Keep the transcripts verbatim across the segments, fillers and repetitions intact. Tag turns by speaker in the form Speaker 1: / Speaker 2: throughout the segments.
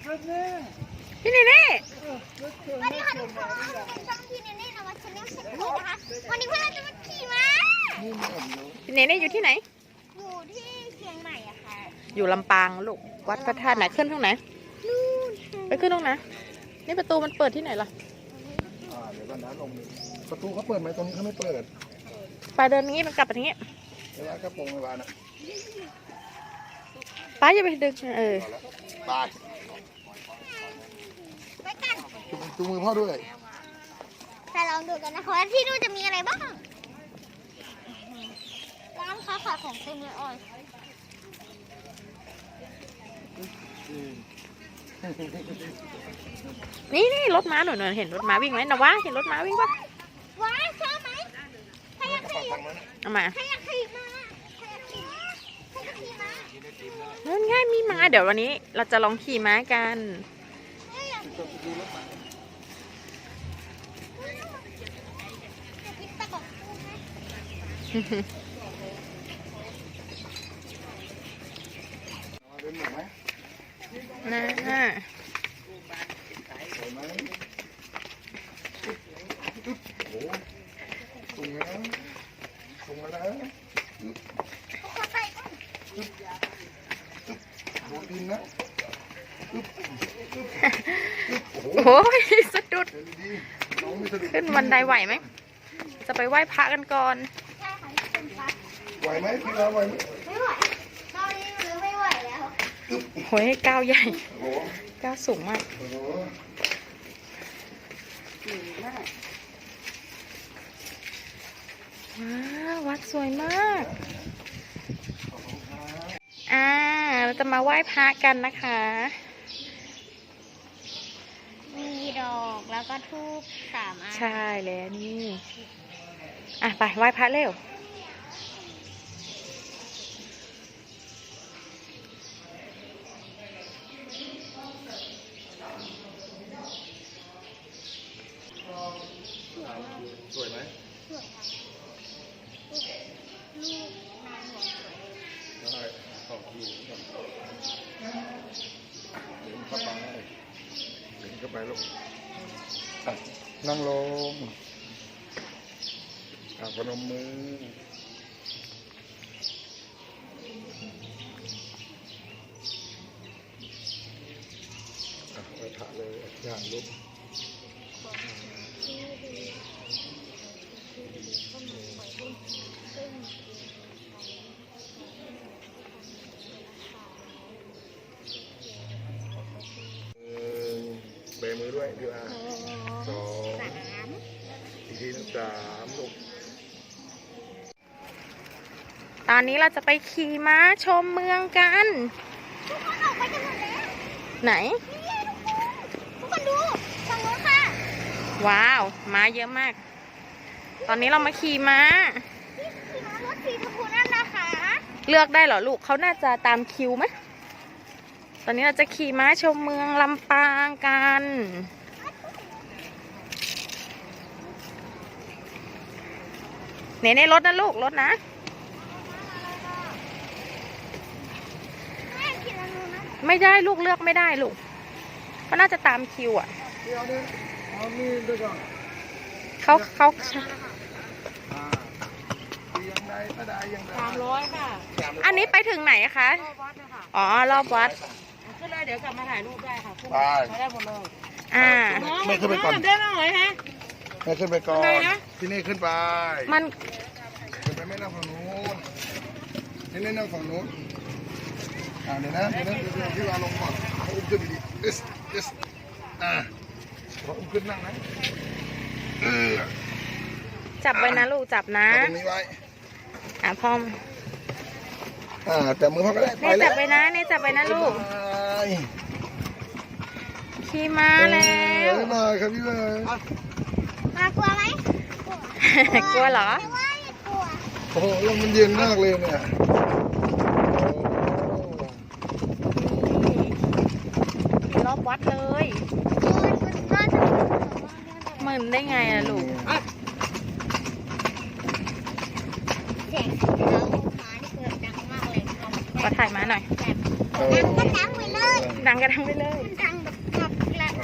Speaker 1: พี่เนเน่
Speaker 2: วันนี้ค่ะทุกคนเป็นช่องที่เนเน่นวัชแนลเช็คโคนะคะวันนี้เพื่อนเราจะมาขี่ม้า
Speaker 1: พี่เนเน่อยู่ที่ไหน
Speaker 2: อยู่ที่เชียงใหม่อะค่ะ
Speaker 1: อยู่ลำปางลูกวัดพระธาตุไหนขึ้นตรงไหน
Speaker 2: นู่น
Speaker 1: ไปขึ้นตรงไหนนี่ประตูมันเปิดที่ไหนล่ะ
Speaker 3: เดี๋ยวกันนะลงประตูเขาเปิดไหมตรงนี้เขาไม่เปิด
Speaker 1: ไปเดินนี้มันกลับไปทางนี้
Speaker 3: เวลากระโปรงเวลานะ
Speaker 1: ป้าอย่าไปดึงเออ
Speaker 3: ไป
Speaker 2: ไปกัน
Speaker 3: จูงมือพ่อด้วย
Speaker 2: แต่ลองดูกันนะคะว่าที่นู่นจะมีอะไรบ้างร้านค้าขายของเต็มเลยอ้อย
Speaker 1: นี่นี่รถม้าหนูเห็นรถม้าวิ่งไหมนะวะเห็นรถม้าวิ่งปะ
Speaker 2: ว้าชอบไหมใครอยากขี่
Speaker 1: เอามา
Speaker 2: ใครอยากขี่ม้าใครอยากขี่ม้าใครอยากขี่ม้า
Speaker 1: นั่นง่ายมีม้าเดี๋ยววันนี้เราจะลองขี่ม้ากันนะฮะ
Speaker 3: ตรงนะตรงมาแล้วโดนดินนะ
Speaker 1: โอ้ยสะดุดขึ้นบันไดไหวไหมจะไปไหว้พระกันก่อน
Speaker 3: ไหวไหมพี่เราไหวไหม
Speaker 2: ไม่ไหวตอนนี้หรือไม่ไหวแล้ว
Speaker 1: โอ้ยก้าวใหญ่ก้าวสูงมากว้าววัดสวยมากอ่าเราจะมาไหว้พระกันนะคะ
Speaker 2: มีดอกแล้วก็ธูปสามอัน
Speaker 1: ใช่แล้วนี่อ่ะไปไหว้พระเร็ว
Speaker 3: สวยไหม
Speaker 2: สวยค่ะลูกนางหัวสวย
Speaker 3: ได้ขอบคุณเดินเข้าไปเดินเข้าไปลูกนั่งลงอ่ะพนมมืออ่ะไปถ่ายเลยอย่างลูกเบมือด้วยพี่อาสองอีกทีนึงสามลูก
Speaker 1: ตอนนี้เราจะไปขี่ม้าชมเมืองกัน
Speaker 2: ทุกคนออกไปกันหมดแล้ว
Speaker 1: ไหน
Speaker 2: ทุกคนดูฝั่งโน้นค่ะ
Speaker 1: ว้าวม้าเยอะมากตอนนี้เรามาขี่ม้า
Speaker 2: ขี่ม้ารถสีชมพูนั่นนะคะ
Speaker 1: เลือกได้เหรอลูกเขาน่าจะตามคิวไหมตอนนี้เราจะขี่ม้าชมเมืองลำปางกันเน่เน่รถนะลูกรถนะไม่ได้ลูกเลือกไม่ได้ลูกเขาน่าจะตามคิวอ่ะเขาเขา
Speaker 4: สามร้อยค่ะ
Speaker 1: อันนี้ไปถึงไหนคะอ๋อรอบวัด
Speaker 4: ขึ้นเลยเดี๋ยวกลับมาถ่ายรูปได้ค่ะขึ้นมาได้หมดเลย
Speaker 1: อ่า
Speaker 3: ไม่ขึ้นไปก่อน
Speaker 4: ได้ไหมหน่อยฮะ
Speaker 3: ไม่ขึ้นไปก่อนที่นี่ขึ้นไป
Speaker 1: มัน
Speaker 3: ขึ้นไปไม่นั่งฝั่งนู้นที่นี่นั่งฝั่งนู้นอ่าเดี๋ยวนะเดี๋ยวนะเดี๋ยวพี่วาลงก่อนเขาอุ้มขึ้นดีๆเอสเอสอ่าเขาอุ้มขึ้นนั่งนะเออ
Speaker 1: จับไว้นะลูกจับนะ
Speaker 3: ตรงนี้ไว้
Speaker 1: อ่ะพ่อม
Speaker 3: อ่าจับมือพ่อก็ได้
Speaker 1: เนจับไปนะเนจับไปนะลูกขี่ม้าแล้ว
Speaker 3: มาครับพี่เลย
Speaker 2: มากลัวไหม
Speaker 1: กลัวเหรอ
Speaker 2: ไม่ว่าอย่ากลัว
Speaker 3: โอ้โหลมมันเย็นมากเลยเนี่ย
Speaker 1: รอบวัดเลยมึนได้ไงอะลูก
Speaker 2: เสียงเท้าหมานี่คือดังมากเลย
Speaker 1: ขอถ่ายม้าหน่อย
Speaker 2: ดังก็ดังไปเลย
Speaker 1: ดังก็ดังไปเลย
Speaker 2: ดัง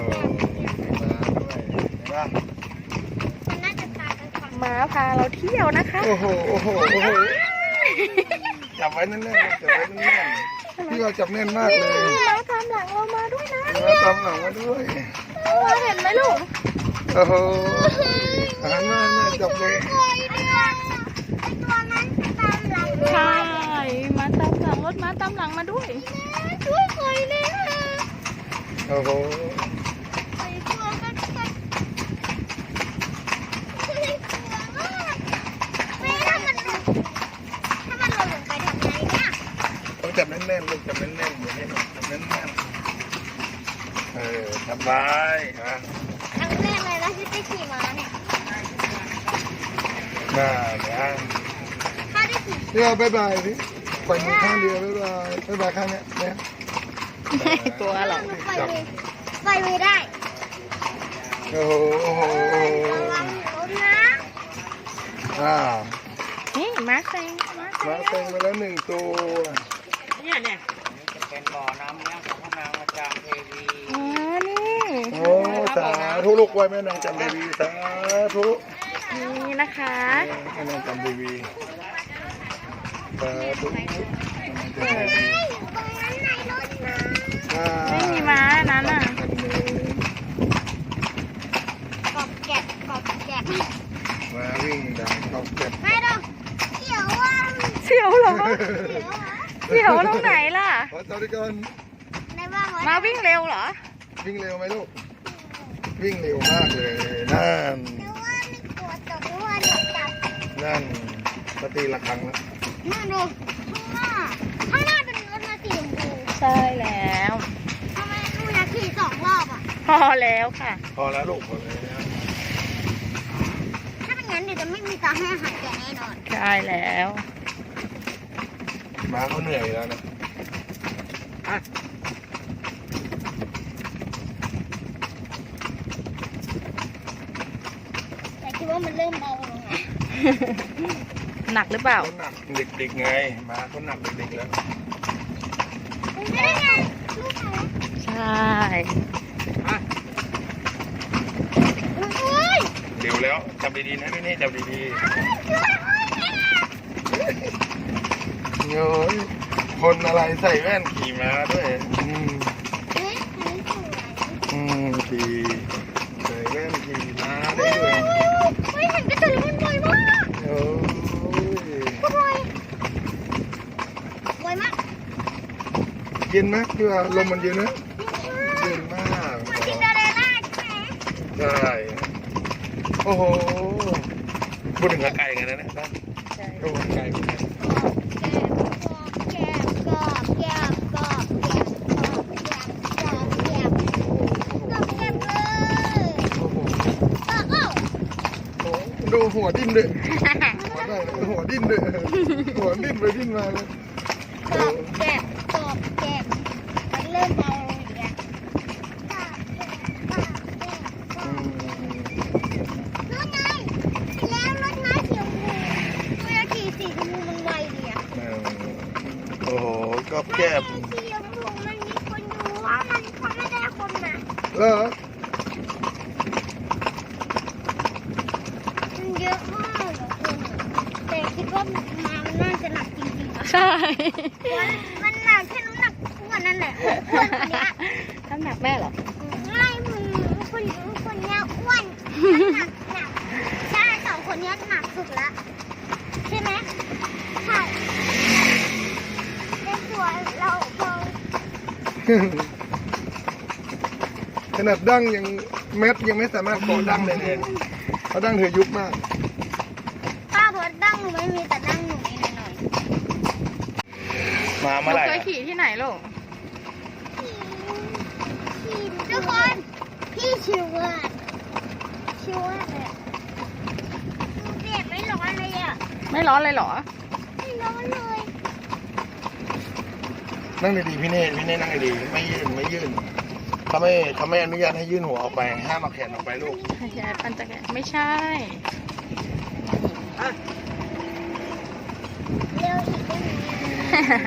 Speaker 3: มาด้วยเห็นปะ
Speaker 2: มันน่าจะตายกันก่อน
Speaker 1: ม้าพาเราเที่ยวนะคะ
Speaker 3: โอ้โหโอ้โหโอ้โหจับไว้แน่นๆจับไว้แน่นๆพี่เราจับแน่นมากเลย
Speaker 1: ม้าตามหลังเรามาด้วยนะ
Speaker 3: มาตามหลังมาด้วย
Speaker 1: ม้าเห็นไหมลูก
Speaker 3: โอ้โหหันมาแม่จับเลย
Speaker 2: เคยเนี่ยไอตัวนั้นจะตามหลัง
Speaker 1: ใช่ม้าตามหลังรถม้าตามหลังมาด้วย
Speaker 2: ช่วยเคยเลยค่ะ
Speaker 3: โอ้โห
Speaker 2: ไอตัวกันกันไม่ถ้ามันถ้ามันหล่นลงไปทำไงเนี่ย
Speaker 3: ต้องจับแน่นๆลูกจับแน่นๆอย่างนี้จับแน่นๆเออจับไว้ฮะ
Speaker 2: ครั้งแรกเลยนะที่ได้ขี่ม้าเนี่ย
Speaker 3: น่าเนี่ย
Speaker 2: ถ้าได้ขี่
Speaker 3: เรือบ๊ายบายสิปล่อยมือข้างเดียวบ๊ายบายบ๊ายบายข้างเนี้ยเนี่ย
Speaker 1: ตัวหรอ
Speaker 2: มันปล่อยมือปล่อยมือได้
Speaker 3: โอ้โหโอ้โหโอ้โห
Speaker 2: ระวังรถนะ
Speaker 3: อ่า
Speaker 1: นี่ม้าเซ็งม้าเซ็
Speaker 3: มาง เต็งไปแล้วหนึ่งตัว
Speaker 4: เนี่ยเนี่ยจะเป็นบ่อน้ำเลี้ยงของพระนางอาจารย์เทวี
Speaker 1: อ๋อ นี่
Speaker 3: โอ้สาธุลูกไว้แม่นางจำเทวีสาธุ
Speaker 1: นี่นะคะ
Speaker 3: แม่นางจำเทวีสาธุ
Speaker 2: ตรงนั้นไหนรถนะ
Speaker 3: อ่า
Speaker 1: ไม่มีม้านั้นอ่ะ
Speaker 3: คันหนึ่ง
Speaker 2: กอบแกะกอบแกะ
Speaker 3: มาวิ่งดังเขาเก็บ
Speaker 2: ไม่ต้องเกี่ยวว่า
Speaker 1: เสียวเหรอ
Speaker 2: เกี่ยวเหรอ
Speaker 1: เสียวตรงไหนล่ะ
Speaker 3: ขอสวัสดีก่อน
Speaker 2: ในบ้าน
Speaker 1: ม้าวิ่งเร็วเหรอ
Speaker 3: วิ่งเร็วไหมลูกวิ่งเร็วมากเลยนั่น
Speaker 2: แต่ว่าไม่กลัวตกเพราะว่าหนูจับ
Speaker 3: นั่นสตีละครั้งแล้ว
Speaker 2: นู่นดูข้างหน้าข้างหน้าเป็นรถมาสีชมพู
Speaker 1: ใช่แล้ว
Speaker 2: ทำไมหนูอยากขี่สองรอบอ่ะ
Speaker 1: พอแล้วค่ะ
Speaker 3: พอแล้วลูกพอแล้ว
Speaker 2: ถ้าเป็นงั้นเดี๋ยวจะไม่มีตาให้อาหารแกแน่นอน
Speaker 1: ใช่แล้ว
Speaker 3: ม้าเขาเหนื่อยแล้วนะ
Speaker 2: แต่คิดว่ามันเริ่มเบาลงนะ
Speaker 1: หนักหรือเปล่า
Speaker 3: เขาหนักเด็กๆไงม้าเขาหนักเด็กๆแล้ว
Speaker 2: มันไม่ได้ไงลูกเขา
Speaker 1: ใช่
Speaker 2: อุ้ย
Speaker 3: เร็วแล้วจับดีๆนะพี่นี่จับดีๆเฮ้ยคนอะไรใส่แว่นขี่ม้าด้วยอืม
Speaker 2: เฮ้ยอันนี้สวย
Speaker 3: อืมขี่ใส่แว่นขี่ม้าได้ด้วย
Speaker 2: เฮ้ยเห็นกระตือรือร้นบ่อยมาก
Speaker 3: โอ้ย
Speaker 2: ก็บ่อยบ่อยมาก
Speaker 3: เย็นไหมพี่ว่าลมมันเย็นนะเย็นมาก
Speaker 2: เหมือนซินเดอเรลล่าใช่ไหม
Speaker 3: ใช่โอ้โหพูดถึงไก่กันนะเนี่ยนะ
Speaker 1: ใช่
Speaker 3: ก็ไก่
Speaker 2: แกะกรอบแกะกรอบแกะกรอบแกะกรอบแกะกรอบแกะเลย
Speaker 3: โอ้โห
Speaker 2: เออเอ้า
Speaker 3: โอ้โหดูหัวดิ้นด้วยหัวได้เลยหัวดิ้นด้วยหัวดิ้นไปดิ้นมาเลย
Speaker 2: กรอบแกะกรอบแกะมันเริ่มเบาลงอีกแล้ว
Speaker 3: อืม
Speaker 2: รถไงแล้วรถไม้สีชมพูเวลาขี่สีชมพูมันไวดีอะ
Speaker 3: เออโอ้โหก็แก้บ
Speaker 2: สีชมพูมันมีคนดูว่ามันเขาไม่ได้คนมา
Speaker 3: เหรอ
Speaker 2: มันเยอะมากเหรอคนอะแต่คิดว่ามามันน่าจะหนักจริงๆอะ
Speaker 1: ใช่
Speaker 2: มันหนักแค่น้ำหนักอ้วนนั่นแหละอ้วนคนเนี้ย
Speaker 1: น้ำหนักแม่เหรอ
Speaker 2: ไม่มึงคนคนเนี้ยอ้วนน้ำหนักหนักใช่สองคนเนี้ยหนักสุดละใช่ไหมใช่ในตัวเราเรา
Speaker 3: ขนาดดั้งยังเม็ดยังไม่สามารถเกาะดั้งเลยเนี่ยเพราะดั้งเธอยุบมาก
Speaker 2: ป้าบอกดั้งหนูไม่มีแต่ดั้งหนูมีหน่อย
Speaker 3: มา
Speaker 1: หนู
Speaker 3: เมื่อไหร่
Speaker 1: เคยขี่ที่ไหนลูก
Speaker 2: ๆพี่ทุกคนพี่ชิวมากชิวมากเลยอะเด็กไม่ร้อนเลยอ่ะ
Speaker 1: ไม่ร้อนเลยเหรอ
Speaker 2: ไม่ร้อนเลย
Speaker 3: นั่งดีๆพี่เน่พี่เน่นั่งดีๆไม่ยื่นไม่ยื่นเขาไม่เขาไม่อนุญาตให้ยื่นหัวออกไปห้ามเอาแขนออกไปลูก
Speaker 1: ยายปั่นจักรยานไม่ใช่
Speaker 2: เร็วอีกได้ไหม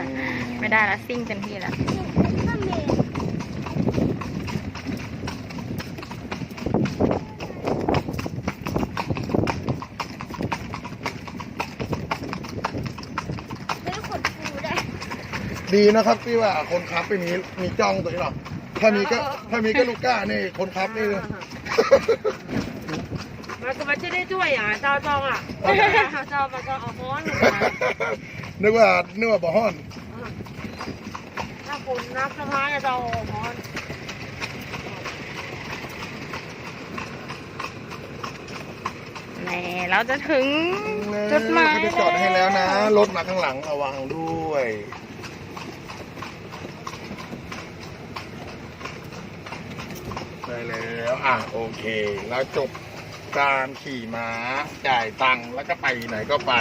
Speaker 1: ไม่ได้ละซิ่งเต็มที่ละ
Speaker 2: ก็มี
Speaker 3: ดีนะครับที่ว่าคนขับไม่มีมีจ้องตัวนี้หรอกถ้ามีก็ถ้ามีก็ลูกก้านี่คนขับนี่
Speaker 4: มันก็ไม่ได้ช่วยอ่ะเจ้าจองอ่ะเจ้ามันก็เอาฮ้อน
Speaker 3: นึกว่านึกว่าบ่อฮ้อน
Speaker 4: ถ้าคุณนักสมาจะเจ้าฮ้อน
Speaker 1: แหม่เราจะถึงจุดหมาย
Speaker 3: เขาจะจอดให้แล้วนะรถมาข้างหลังระวังด้วยได้แล้วอ่ะโอเคแล้วจบการขี่ม้าจ่ายตังค์แล้วก็ไปไหนก็ไป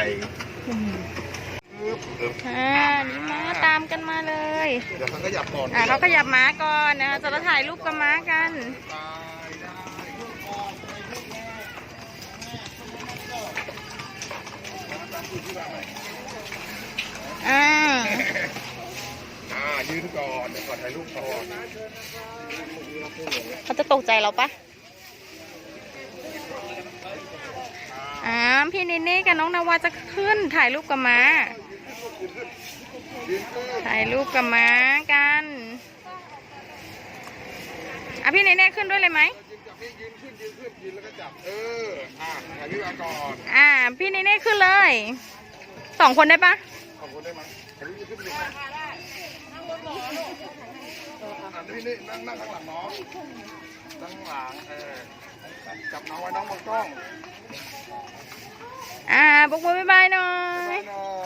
Speaker 1: อ่านี่ม้าตามกันมาเลย
Speaker 3: เดี๋ยวเขาก็หยับก่อน
Speaker 1: อ่าเขาขยับม้าก่อนนะคะจะมาถ่ายรูปกับม้ากัน อ่า
Speaker 3: อ่ายืนก่อนเดี๋ยวก่อนถ่ายรูปก่อน
Speaker 1: เขาจะตกใจเราปะอ่าพี่เนเน่กับน้องนาวาจะขึ้นถ่ายรูปกับม้า ถ่ายรูปกับม้ากันอ่ะพี่เนเน่ขึ้นด้วยเลยไหม
Speaker 3: ยืนขึ้นยืนขึ้นยืนแล้วก็จับเอออ่าถ่ายรูปก่อน
Speaker 1: อ่าพี่เนเน่ขึ้นเลยสองคนได้ปะ
Speaker 3: ขอบคุณได้ไหมถ่ายรูปขึ้นเลยอ่าพี่นี่นั่งนั่งข้างหลังน้องนั่งข้างหลังเออจับน้องไว้น้องมองกล้อง
Speaker 1: อ่าบุกมือบ๊ายบายหน่อย
Speaker 3: หน่อย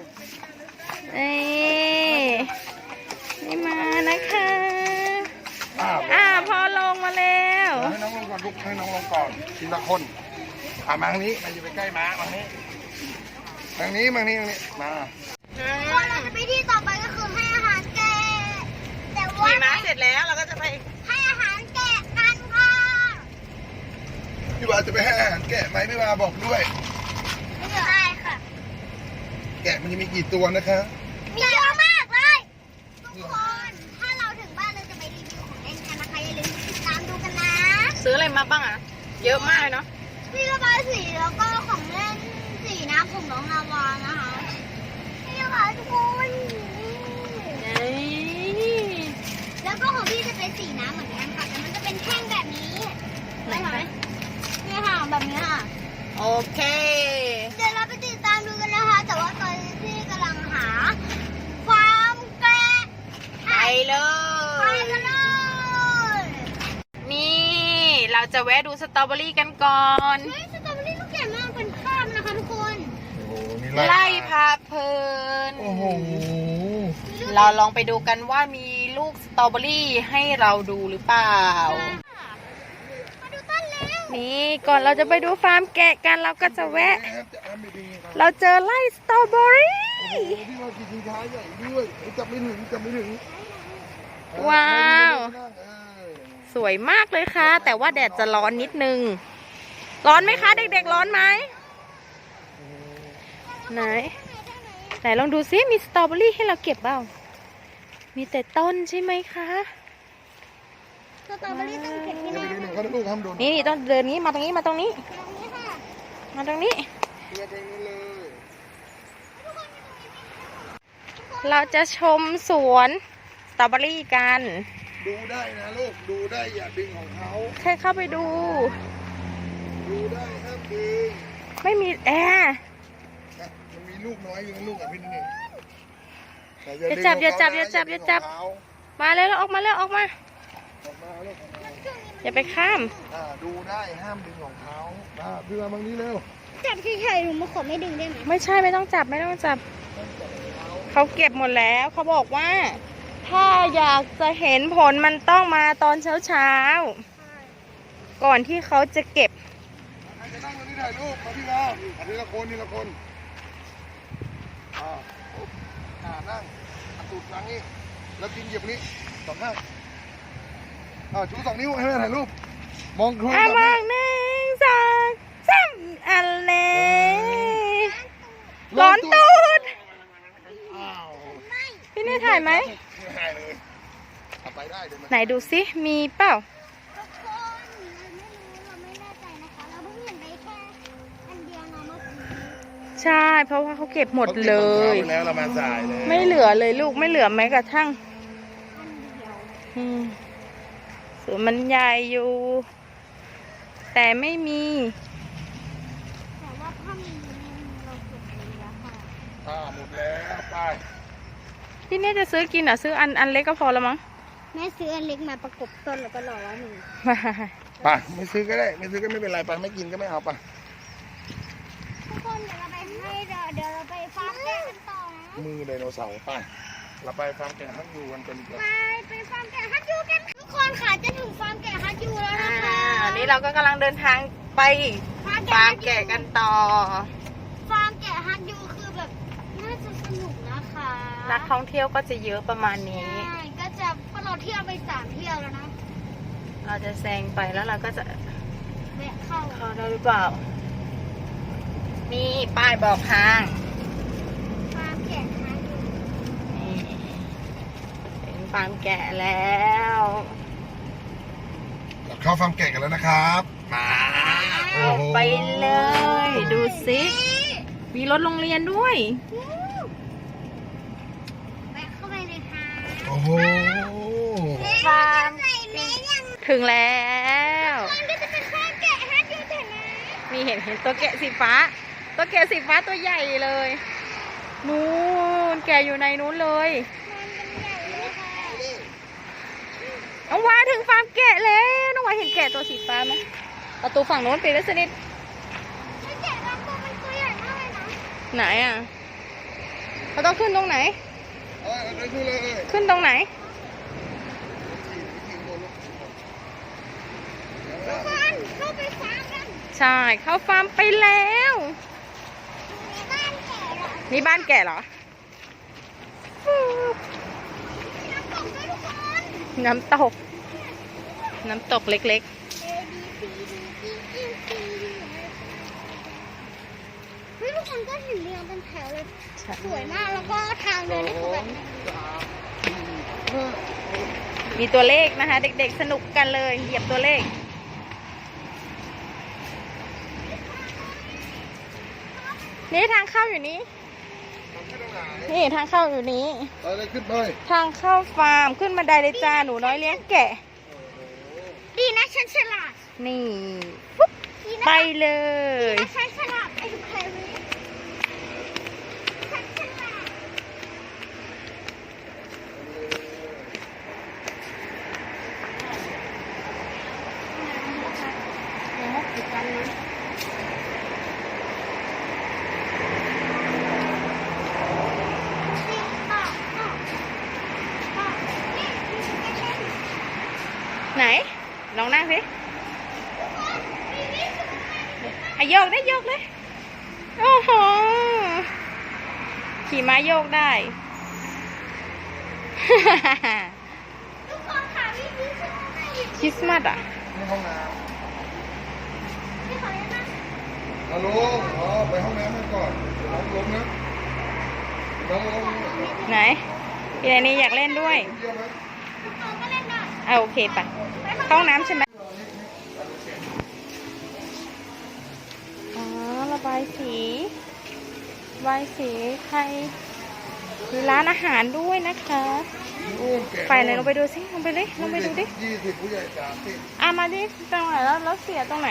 Speaker 1: นี่นี่มานะคะ
Speaker 3: อ่า
Speaker 1: อ่าพอลงมาแล้ว
Speaker 3: ให้น้องลงก่อนลุกให้น้องลงก่อนทีละคนอ่ามาทางนี้มาอยู่ไปใกล้ม้ามาทางนี้ทางนี้มาทางนี้ทางนี้มา
Speaker 2: ก็เราจะไปที่ต่อไปก็คือให้อาหารแกะแต่ว่า
Speaker 1: ขี่ม้าเสร็จแล้วเราก็จะไป
Speaker 2: ให้อาหารแกะกันค่ะ
Speaker 3: พี่วาจะไปให้อาหารแกะไหมพี่วาบอกด้วย
Speaker 2: ไม่ใช่ค่ะ
Speaker 3: แกะมันจะมีกี่ตัวนะคะ
Speaker 2: มีเยอะมากเลยทุกคนถ้าเราถึงบ้านเราจะไปรีวิวของเล่นกันนะคะอย่าลืมติดตามดูกันนะ
Speaker 1: ซื้ออะไรมาบ้างอ่ะ เยอะมากเลยเนาะ
Speaker 2: พี่ระบายสีแล้วก็ของเล่นสีน้ำของน้องนาวานะคะนี่ค่ะทุกคน แล้วก็ของพี่จะเป็นสีน้ำเหมือนกันค่ะแต่มันจะเป็นแท่งแบบนี้ไหมไหมเนี่ยค่ะแบบนี้ค่ะ
Speaker 1: โอเค
Speaker 2: เดี๋ยวเราไปติดตามดูกันนะคะ แต่ว่าตอนนี้พี่กำลังหาฟาร์มแกะ
Speaker 1: ไปเล
Speaker 2: ไป
Speaker 1: ย
Speaker 2: กันเลย
Speaker 1: นี่เราจะแวะดูสตรอเบอรี่กันก่อน
Speaker 2: เฮ้ยสตรอเบอรี่ลูกใหญ่มากเป็นข้ามนะคะทุกคน
Speaker 3: โอ้โหนี่
Speaker 1: ไล่พาเพลิน
Speaker 3: โอ้โห
Speaker 1: เราลองไปดูกันว่ามีลูกสตรอเบอรี่ให้เราดูหรือเปล่า
Speaker 2: มาดูต้นแล้ว
Speaker 1: นี่ก่อนเราจะไปดูฟาร์มแกะกันเราก็จะแวะ
Speaker 3: นะครับจะอ้ามดีๆครับ
Speaker 1: เราเจอไล่สตรอเบอรี่
Speaker 3: โอ้โหพี่ว่ากี่ชิงช้าใหญ่ด้วยจับไม่ถึงจับไม่ถึง
Speaker 1: ว้าว
Speaker 3: เออ
Speaker 1: สวยมากเลยค่ะ แต่ว่าแดดจะร้อนนิดนึง ร้อนไหมคะเด็กๆร้อนไหมไหนไหนลองดูซิมีสตรอเบอรี่ให้เราเก็บเปล่ามีแต่ต้นใช่ไหมคะ
Speaker 2: สตรอเบอรี่ต้องเก็บที่
Speaker 3: อย่า
Speaker 2: ไหน
Speaker 3: ไปดูหนึ่งเขาลูกทำโดน
Speaker 1: นี่นี่ต้องเดินนี้มาตรงนี้มาตรงนี้
Speaker 2: ตรงนี้ค่ะ
Speaker 1: มาตรงนี้
Speaker 3: เรือเพลงนี้เลย
Speaker 1: เราจะชมสวนสตรอเบอรี่กัน
Speaker 3: ดูได้นะลูกดูได้อย่าดึงของเขา
Speaker 1: แค่เข้าไปดู
Speaker 3: ดูได้ห้ามดึง
Speaker 1: ไม่มีแอร์
Speaker 3: นะมันมีลูกน้อยอยู่นะลูกกับพี่นี่แต่
Speaker 1: อย่าจับอย่าจับอย่าจับอย่าจับ มาเลยแล้วออกมาแล้วออกมา
Speaker 3: ออกมาลูก
Speaker 1: อย่าไปข้าม
Speaker 3: อ่าดูได้ห้ามดึงของเขาอ่าพี่มาบางนี้เร็ว
Speaker 2: จับเฉยๆหนูมาขอไม่ดึงได้ไหม
Speaker 1: ไม่ใช่ไม่ต้องจับไม่ต้องจับ เขาเก็บหมดแล้วเขาบอกว่า ถ้าอยากจะเห็นผลมันต้องมาตอนเช้าเช้าๆก่อนที่เขาจะเก็บ
Speaker 3: ใครจะนั่งตรงนี้ถ่ายรูปมาพี่มาอ่ะทีละคนทีละคนอ่าปุ๊บอ่านั่งอ่ะตูดหลังนี่แล้วกินเหยียบนี้สองข้างอ่าชูสองนิ้วให้แม่ถ่ายรูปมองครู
Speaker 1: อ่ะมองหนึ่งสองสามอันเล่ร้อนตูด
Speaker 3: อ้าว
Speaker 1: พี่นี่ถ่ายไหม
Speaker 3: ไม่ถ่ายเลยเอาไปได้เดี๋ยวนะ
Speaker 1: ไหนดูซิมีเปล่า
Speaker 2: ทุกคนเราไม่รู้เราไม่แน่ใจนะคะ เราเพิ่งเห็นไปแค่อันเดียวเนาะเมื่อกี้
Speaker 1: ใใช่ เพราะว่าเขาเก็บหมดเลย
Speaker 3: ขาก็บตอนช้าไปแล้วเรามาสายเลย
Speaker 1: ไม่เหลือเลยลูกไม่เหลือแม้กระทั่ง
Speaker 2: อันเดียว
Speaker 1: อืมสวนมันใหญ่อยู่ แต่ไม่มี
Speaker 2: แต่ว่าถ้ามีเราเก็บไปแล้วค่ะ
Speaker 3: อ่าหมดแล้วไป
Speaker 1: พี่เนี่ยจะซื้อกินเหรอ่ะซื้ออันอันเล็กก็พอแล้วมั้ง
Speaker 2: แม่ซื้ออันเล็กมาประกบต้นแล้วก็รอว่าหนึ่ง
Speaker 3: ไปไม่ซื้อก็ได้ไม่ซื้อก็ไม่เป็นไรไปไม่กินก็ไม่เอาไป
Speaker 2: ทุกคนเดี๋ยวเราไปให้เดี๋ยวเดี๋ยวเราไปฟาร์มแกะกันต่อนะ
Speaker 3: มือไดโนเสาร์ไปเราไปฟาร์มแกะฮักยูกันเป็นเกือบ
Speaker 2: ไปไปฟาร์มแกะฮัทยูกันทุกคนค่ะจะถึงฟาร์มแกะฮัทยูแล้วนะคะ
Speaker 1: อันนี้เราก็กำลังเดินทางไปฟาร์มแกะกันต่อ
Speaker 2: ฟาร์มแกะฮัทยูคือแบบน่าจะสนุกนะคะ
Speaker 1: นักท่องเที่ยวก็จะเยอะประมาณนี้
Speaker 2: ใช่ก็จะพอเราเที่ยวไปสามเที่ยวแล้วนะ
Speaker 1: เราจะแซงไปแล้วเราก็จะ
Speaker 2: แวะเข้า
Speaker 1: เข้าได้หรือเปล่า นี่ป้ายบอกทาง
Speaker 2: ฟาร์มแกะฮัทยู
Speaker 1: นี่เป็นฟาร์มแกะแล้ว
Speaker 3: เราเข้าฟาร์มแกะกันแล้วนะครับมาโอ้โห
Speaker 1: ไปเลย ดูสิมีรถโรงเรียนด้วย
Speaker 2: แวะเข้าไปเลยค่ะ
Speaker 3: โอ้โห
Speaker 1: ฟาร์ม
Speaker 2: ใส่แม่ยัง
Speaker 1: ถึงแล้ว
Speaker 2: มันก็จะเป็นฟาร์มแกะฮัทยูแต่นะ
Speaker 1: มีเห็นเห็นตัวแกะสีฟ้า ตัวแกะสีฟ้าตัวใหญ่เลย นู้นแกะอยู่ในนู้นเลย
Speaker 2: มันเป็นใหญ่เลยค่ะ
Speaker 1: น้องวาถึงฟาร์มแกะแล้วน้องวาเห็นแกะตัวสีฟ้าไหมประตูฝั่งโน้นปิดไว้สนิท
Speaker 2: แล้วแกะบางตัวมันตัวใหญ่มากเลยนะ
Speaker 1: ไหนอ่ะเราต้องขึ้นตรงไหน
Speaker 3: เออเดินขึ้นเลย
Speaker 1: ขึ้นตรงไหน
Speaker 2: ทุกคนเข้าไปฟาร์มกัน
Speaker 1: ใช่เข้าฟาร์มไปแล้ว
Speaker 2: ในบ้านแกะเหรอ
Speaker 1: นี่บ้านแกะเหรอ
Speaker 2: น้ำตกด้วยทุกคน
Speaker 1: น้ำตก น้ำตกเล็ก
Speaker 2: A B C D E F G เฮ้ยทุกคนก็เห็นเรียงเป็นแถวเลย
Speaker 1: ๆใช่
Speaker 2: สวยมากแล้วก็ทางเดินนี่คือแบบ
Speaker 1: มีตัวเลขนะคะ เด็กๆสนุกกันเลย เหยียบตัวเลข นี่ทางเข้าอยู่นี้ นี่ทางเข้าอยู่นี้
Speaker 3: ไปเลยขึ้นไป
Speaker 1: ทางเข้าฟาร์มขึ้นมาไดเลยจ้าหนูน้อยเลี้ยงแกะ
Speaker 2: ดีนะฉันฉลาด
Speaker 1: นี่ปุ๊บ
Speaker 2: ดีนะ
Speaker 1: ไปเลย
Speaker 2: ฉันฉลาดไอ้ทุกคนฉันฉลาด
Speaker 1: ไหน ลองนั่งสิอ่ะโยกได้โยกเลย โอ้โห ขี่ม้าโยกได้
Speaker 2: ทุกคนค่ะวิธีช่วย
Speaker 1: คริสต์มาสอ่ะ
Speaker 3: นี่ห้องน้
Speaker 2: พี่ขอได้ไหม
Speaker 3: ำฮัลโหลอ๋อไปห้องน้ำกันก่อนน้องลงนะน้องลง
Speaker 1: ไหน พี่ไนนี่อยากเล่นด้วย
Speaker 3: เยี่ยมไหม
Speaker 2: ทุกคนก็เล่นได้
Speaker 1: อ่ะโอเคไปเข้าห้องน้ำใช่ไหมอ๋อ ระบายสีระบายสีใครมีร้านอาหารด้วยนะคะ
Speaker 3: นู่นแกะ
Speaker 1: ไปเลยลงไปดูสิลงไปเลยลงไปดูดิ
Speaker 3: ยี่สิบผู้ใหญ่สามสิบ
Speaker 1: อ่ะมาดิตรงไหนแล้วแล้วเสียตรงไหน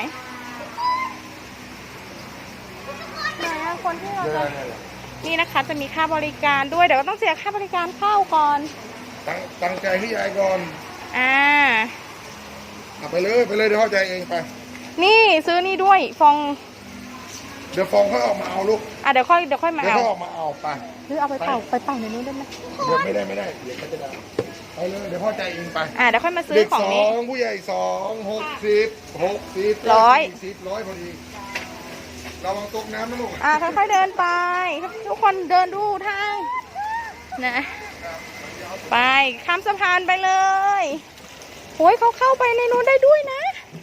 Speaker 1: ไหนอะคนที่เรา
Speaker 3: เดิ
Speaker 1: จะ
Speaker 3: นเนี่ยแหละ
Speaker 1: นี่นะคะจะมีค่าบริการด้วยเดี๋ยวก็ต้องเสียค่าบริการเข้าก่อน
Speaker 3: ตั้งตั้งใจให้ยายก่อน
Speaker 1: อ่า
Speaker 3: เอาไปเลยไปเลยเดี๋ยวเข้าใจเองไป
Speaker 1: นี่ซื้อนี่ด้วยฟอง
Speaker 3: เดี๋ยวฟองเขาออกมาเอาลูก
Speaker 1: อ่ะเดี๋ยวค่อยเดี๋ยวค่อยมา
Speaker 3: เดี๋ยว
Speaker 1: เอา
Speaker 3: เขาออกมาเอาไป
Speaker 1: หรือเอาไปเป่าไปเป่าในนู้นได้ไหม
Speaker 3: เดี๋ยวไม่ได้ไม่ได้เดี๋ยวเขาจะด่าไปเลยเดี๋ยวพ่อใจเองไป
Speaker 1: อ่ะเดี๋ยวค่อยมาซื้อ
Speaker 3: เด็ก
Speaker 1: ของ
Speaker 3: สอ
Speaker 1: นี้
Speaker 3: งผู้ใหญ่สองหกสิบหกสิบ
Speaker 1: ร้อย
Speaker 3: สิบร้อยพอดีระวังตกน้ำนะลูก
Speaker 1: อ่ะค่อยๆเดินไป ทุกคนเดินดูทางนะไปข้ามสะพานไปเลยโอ้ยเขาเข้าไปในนู้นได้ด้วยนะ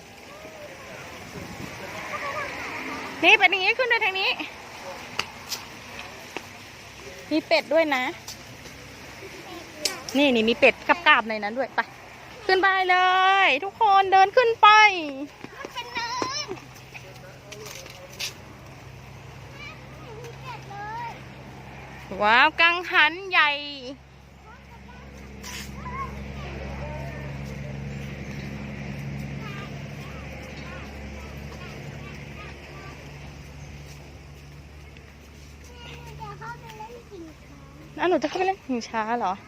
Speaker 1: นี่เป็นอย่างนี้ขึ้นด้วยทางนี้ มีเป็ดด้วยนะ นี่นี่มีเป็ดกับกาบในนั้นด้วยไปขึ้นไปเลย ทุกคนเดินขึ้นไป
Speaker 2: มันเป็นเนิน
Speaker 1: ว้าวกังหันใหญ่อ่ะหนูจะเข้าไปเล่นหิงช้าเหรอ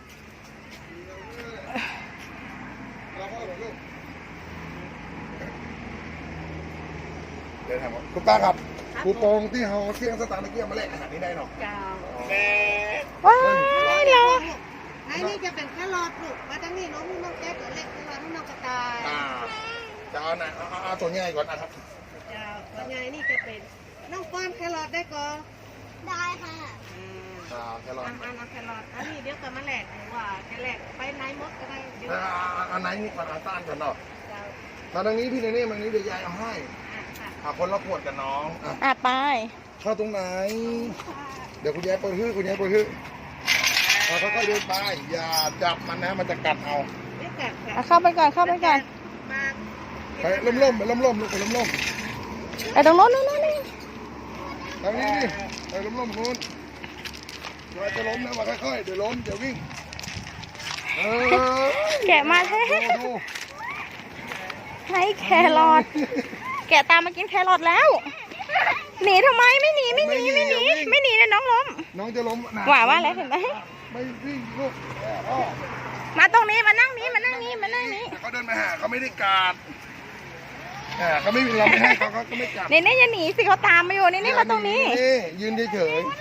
Speaker 3: เดี๋ยวถามว่าคุณป้าครับคูปองที่เขาเสี่ยงสตาร์ทเมื่อกี้มาแลกอาหารนี้ได้เนาะ
Speaker 5: เจ้า
Speaker 1: ว้ายเหรอ
Speaker 5: ไอ้นี่จะเป็นแค่รอดลูกมาตั้งนี่น้องน้องแก๊สเล็กตัวน้องน้องกระต่าย
Speaker 3: อ่าจะเอาไหนเอาเอาตัวใหญ่ก่อนนะครับ
Speaker 5: เจ้าว่าไงนี่จะเป็นน้องป้อนแครอทได้ก่อน
Speaker 2: ได้ค่ะ
Speaker 3: อ่าแครอท
Speaker 5: อันอันเอาแครอทอันนี้เดี๋ยวก็มาแหลกหรือว่าจะแหลกไปไหนมดก็ได้เดี๋ยว
Speaker 3: อ่าอันไหนนี่ก่อนเอาต้านกันเนาะ
Speaker 5: เจ้า
Speaker 3: มาทางนี้พี่เนเน่มาทางนี้เดี๋ยวยายเอาให้
Speaker 5: อ่ะค่ะ
Speaker 3: อ่าคนละขวดกับน้องอ่ะ
Speaker 1: อ่ะไป
Speaker 3: เข้าตรงไหน เดี๋ยวคุณยายเปิดฮื้อคุณยายเปิดฮื้อเราค่อยๆเดินไปอย่าจับมันนะมันจะกัดเอา
Speaker 5: เดี๋ยวกัด
Speaker 1: อ่ะเข้าไปก่อนเข้าไปก่อน
Speaker 5: มา
Speaker 3: ไปล่มๆไปล่มๆลูกไปล่ม
Speaker 1: ไปตรงโน้นโน้นโน้นนี่
Speaker 3: ๆทางนี้นี่ไปล่มๆคุณเดี๋ยวจะล้มนะว่าค่อยๆเดี๋ยวล้มเดี๋ยววิ่งเออ
Speaker 1: แกะมาแท้
Speaker 3: ดูดู
Speaker 1: ให้แครอทแกะตามมากินแครอทแล้ว หนีทำไมไม่หนีไม่หนีไม่หนีไม่หนีนะน้องล้ม
Speaker 3: น้องจะล้มนะ
Speaker 1: หว่าว่าแล้วเห็นไหม
Speaker 3: ไม่วิ่งลูกแอบอ้อ
Speaker 1: มาตรงนี้มานั่งนี้มานั่งนี้มานั่งนี้
Speaker 3: แต่เขาเดินมาหาเขาไม่ได้กัดอ่าเขาไม่เราไม่ให้เขาเขาก็ไม่กัด
Speaker 1: นี่นี่อย่าหนีสิเขาตามมาอยู่นี่นี่มาตรงนี้
Speaker 3: นี่ยืนเฉยๆ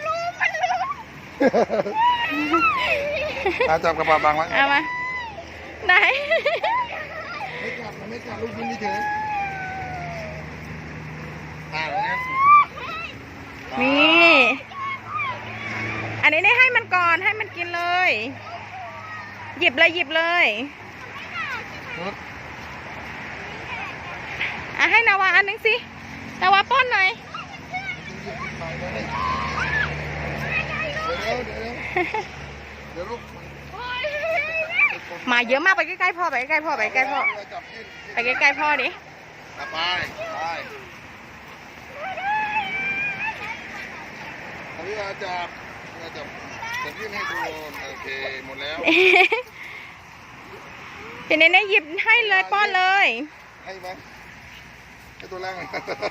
Speaker 3: อาจับกระเป๋าบังไว้
Speaker 1: เอามาไหน
Speaker 3: ไม่กัดมันไม่กัดลูกยืนเฉยๆอ่าอย่างนั้น
Speaker 1: นี่อันนี้นี่ให้มันก่อนให้มันกินเลย หยิบเลยหยิบเลยอ่ะให้นาวาอันนึงสินาวาป้อนหน่อย
Speaker 3: เดี๋ยวเดี๋ยวเดี๋ยวลูก
Speaker 1: มาเยอะมากไปใกล้ๆพ่อไปใกล้ๆพ่อไปใกล้ๆพ่อ
Speaker 3: จับยืน
Speaker 1: ไปใกล้ๆพ่อดิ
Speaker 3: ไปไปอันนี้เราจับเราจับจับยื่นให้ดูโอเคหมดแล้ว
Speaker 1: ทีนี้เนี่ยหยิบให้เลยป้อนเลย
Speaker 3: ให้ไหมให้ตัวแรก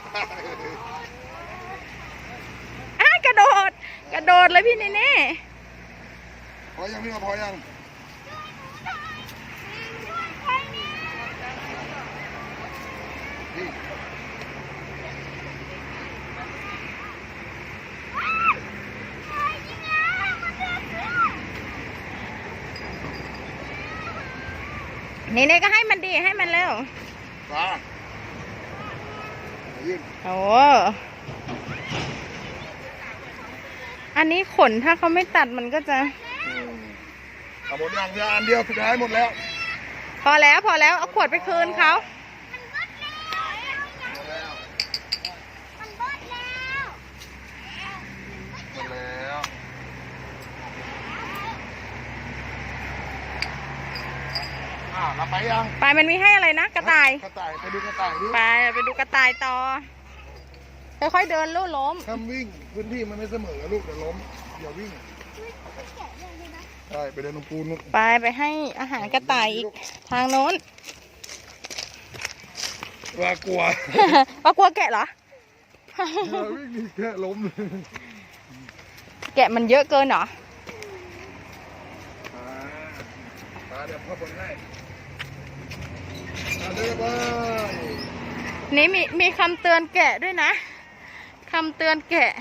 Speaker 1: อ่ะกระโดด กระโดดเลยพี่เนเน่
Speaker 3: พอยังพี่มาพอยังนี่
Speaker 1: เนเน่ก็ให้มันดีให้มันเร็ว
Speaker 3: มายื่น
Speaker 1: โอ้อันนี้ขนถ้าเขาไม่ตัดมันก็จะ
Speaker 3: เอาหมดอย่างเดียวอันเดียวสุดท้ายหมดแล้ว
Speaker 1: พอแล้วพอแล้วเอาขวดไปคืนเขา
Speaker 3: หมดแล้ว
Speaker 2: มันเบิดแล้ว
Speaker 3: หมดแล้วอ่าเราไปยัง
Speaker 1: ไปมันมีให้อะไรนะกระต่าย
Speaker 3: กระต่ายไปดูกระต่ายดิ
Speaker 1: ไปไปดูกระต่ายต่อ ค่อยๆเดินลู่ล้ม
Speaker 3: ห้ามวิ่งพื้นที่มันไม่เสมอลูกเดี๋ยวล้มอย่าวิ่งใช่ไปเดินตรงปูนลูก
Speaker 1: ไปไปให้อาหารกระต่ายอีกทางโน้น
Speaker 3: ว่ากลัว
Speaker 1: ว่ากลัวแกะเหรอ
Speaker 3: อย่าวิ่งนี่แค่ล้มเลย
Speaker 1: แกะมันเยอะเกินเหรอ
Speaker 3: อ่ามาเดี๋ยวพ่อบนให้มาเดินไป
Speaker 1: นี่มีมีคำเตือนแกะด้วยนะคำเตือนแกะ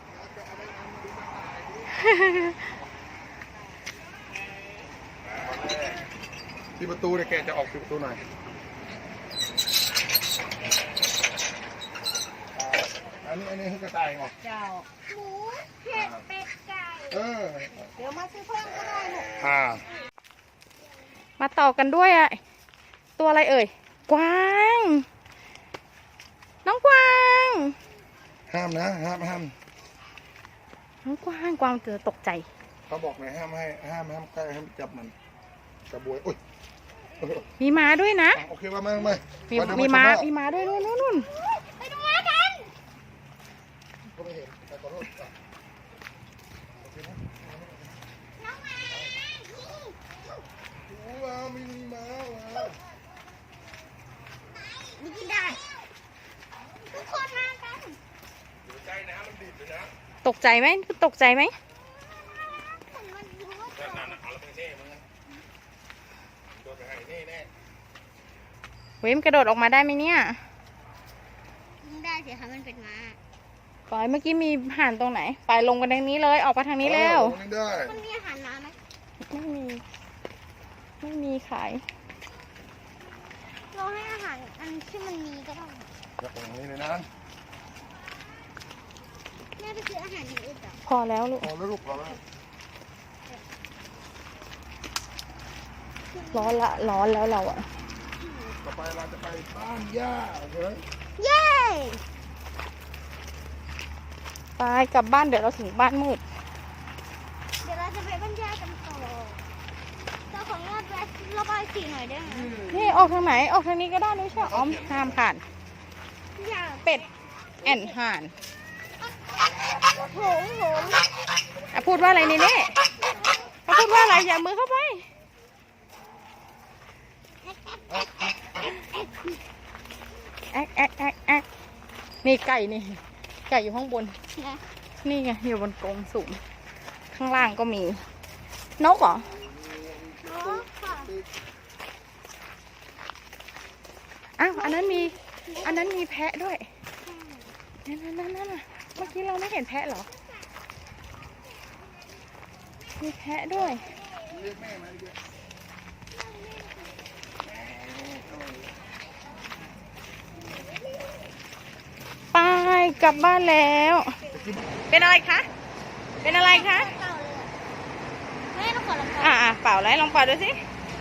Speaker 3: ที่ประตูเนี่ยแกจะออกที่ประตูหน่อยอันนี้อันนี้คือกระต่ายเหรอ
Speaker 5: เจ้า
Speaker 2: หมูเห็ดเป็ดไก่
Speaker 3: เออ
Speaker 5: เดี๋ยวมาซื้อเพิ่มก็ได้ลูก
Speaker 3: อ่า
Speaker 1: มาต่อกันด้วยอะตัวอะไรเอ่ย กวาง น้องกวาง
Speaker 3: ห้ามนะห้ามห้าม
Speaker 1: น้องกวางกวางเจอตกใจ
Speaker 3: เขาบอกไงห้ามให้ห้ามห้ามใกล้ห้ามจับมันกระบวยโอ้ย
Speaker 1: มีม้าด้วยนะ
Speaker 3: โอเคว่ามาไหม
Speaker 1: มีมีม้ามีม้าด้วยนู่นนู่นนู่น
Speaker 2: ไปดูม้ากัน
Speaker 3: ก็ไม่เห็นแต่ขอโทษโอเคนะ
Speaker 1: ตกใจไหมตกใจไหม
Speaker 2: มันรู้ว่า
Speaker 3: นั่นน่ะเอาแล้วไปเท่มึงนะโดนไปให้เท่แน่
Speaker 1: เว้ยมนกระโดดออกมาได้ไหมเนี่ย
Speaker 2: ยิงได้สิคะมันเป็นม้า
Speaker 1: ปอยเมื่อกี้มีห่านตรงไหน ไปลงกันทางนี้เลย ออกมาทางนี้เร็ว
Speaker 3: อาลงได้
Speaker 2: มันมีอาหารน้ำไหม
Speaker 1: ไม่มี ไม่มีขาย
Speaker 2: เราให้อาหารอันที่มันมีก็ได้
Speaker 3: อย่าตรงนี้เลยนะ
Speaker 2: แม่ไปซื้ออาหารอย่างอื่นจ้ะ
Speaker 1: พอแล้วลูก
Speaker 3: พอแล้วลูกพอแล้ว
Speaker 1: ร้อนละร้อนแล้วเราอะ
Speaker 3: ต่อไปเราจะไปบ้านย่าโอเคไหม
Speaker 2: เย้
Speaker 1: ไปกลับบ้านเดี๋ยวเราถึงบ้านมืด
Speaker 2: เดี๋ยวเราจะไปบรรยายกันต่อเราขออนุญาตแวะระบายสีหน่อยได้ไหม
Speaker 1: นี่ออกทางไหน ออกทางนี้ก็ได้ไม่ใช่อ๋อมห้ามผ่าน
Speaker 2: อยาก
Speaker 1: เป็ดแอนห่าน
Speaker 2: โหงโหง
Speaker 1: อ่ะพูดว่าอะไรนี่เน่เขาพูดว่าอะไรอย่ามือเข้าไป แอ๊กแอ๊กแอ๊กแอ๊กนี่ไก่นี่ ไก่อยู่ข้างบน
Speaker 2: นะ
Speaker 1: นี่ไงอยู่บนกรงสูง ข้างล่างก็มี นกเหรอ
Speaker 2: อ๋อค่ะ
Speaker 1: อ้าวอันนั้นมี อันนั้นมีแพะด้วย นั่นนั่นนั่นนั่นน่ะเมื่อกี้เราไม่เห็นแพะเหรอ มีแพะด้วย
Speaker 3: เรียกแม่มาดิ
Speaker 1: ไปกลับบ้านแล้ว เป็นอะไรคะ เป็นอะไรคะ
Speaker 2: เก่าเลยอะแม่ต้องขอลองก่อน
Speaker 1: อ่าอ่าเป่าอะไรลองเป่าดูสิ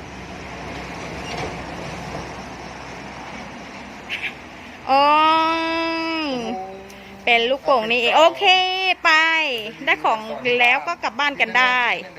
Speaker 1: โอ้ยเป็นลูกโป่งนี่เองโอเคไป ได้ของแล้วก็กลับบ้านกันได้
Speaker 3: เดี๋ยว